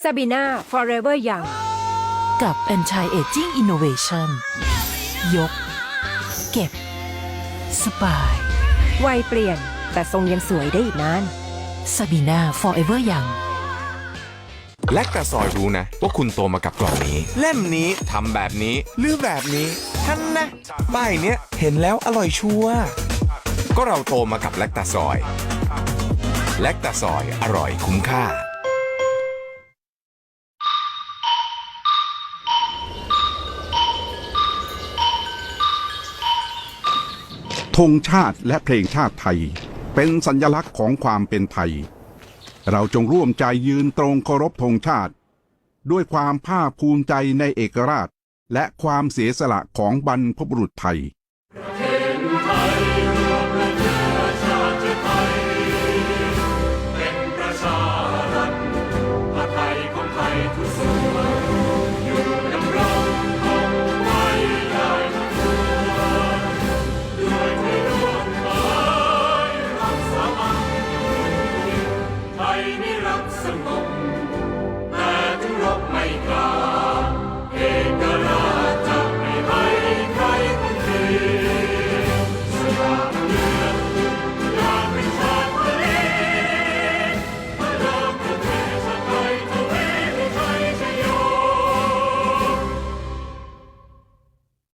ซาบีนา Forever Young กับ Anti Aging Innovation ยก เก็บ สบายวัยเปลี่ยนแต่ทรงยังสวยได้อีกนาน Sabina Forever Young แลคตาซอยรู้นะว่าคุณโตมากับกล่องนี้ เล่มนี้ทำแบบนี้หรือแบบนี้ท่านนะป้ายเนี้ยเห็นแล้วอร่อยชัวร์ก็เราโตมากับแลคตาซอยแลคตาซอยอร่อยคุ้มค่าธงชาติและเพลงชาติไทยเป็นสัญลักษณ์ของความเป็นไทยเราจงร่วมใจยืนตรงเคารพธงชาติด้วยความภาคภูมิใจในเอกราชและความเสียสละของบรรพบุรุษไทย